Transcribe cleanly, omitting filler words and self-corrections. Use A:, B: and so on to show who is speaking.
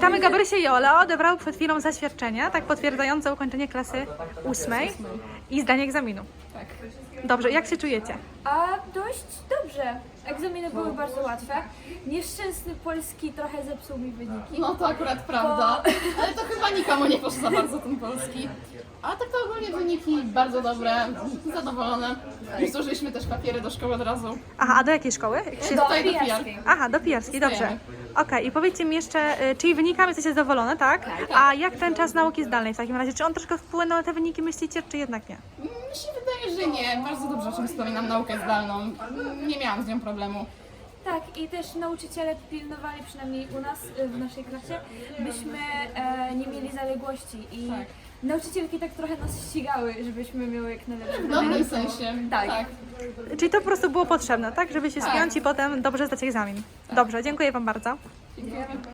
A: Witamy Gabrysię i Ole. Odebrał przed chwilą zaświadczenie, tak potwierdzające ukończenie klasy 8 i zdanie egzaminu.
B: Tak.
A: Dobrze, jak się czujecie?
C: A dość dobrze. Egzaminy były bardzo łatwe. Nieszczęsny polski trochę zepsuł mi wyniki.
B: No to akurat prawda, ale to chyba nikomu nie poszło za bardzo ten polski. A tak to ogólnie wyniki bardzo dobre, zadowolone. Już złożyliśmy też papiery do szkoły od razu.
A: Aha, a do jakiej szkoły? Jak się...
B: Tutaj do
C: pijarskiej.
B: PR.
A: Aha, do pijarskiej, dobrze.
B: Stajemy.
A: Okej, i powiedzcie mi jeszcze, czyli wynikami jesteście zadowolone, tak? A jak ten czas nauki zdalnej w takim razie? Czy on troszkę wpłynął na te wyniki, myślicie, czy jednak nie?
B: Mi się wydaje, że nie. Bardzo dobrze o czym wspominam naukę zdalną. Nie miałam z nią problemu.
C: Tak, i też nauczyciele pilnowali, przynajmniej u nas, w naszej klasie, byśmy nie mieli zaległości i
B: Tak.
C: nauczycielki tak trochę nas ścigały, żebyśmy miały jak najlepsze
B: W dobrym
C: wyniki.
B: sensie.
C: Tak.
A: Czyli to po prostu było potrzebne, tak? Żeby się
B: Tak.
A: spiąć i potem dobrze zdać egzamin. Dobrze, dziękuję Wam bardzo.
B: Dziękuję.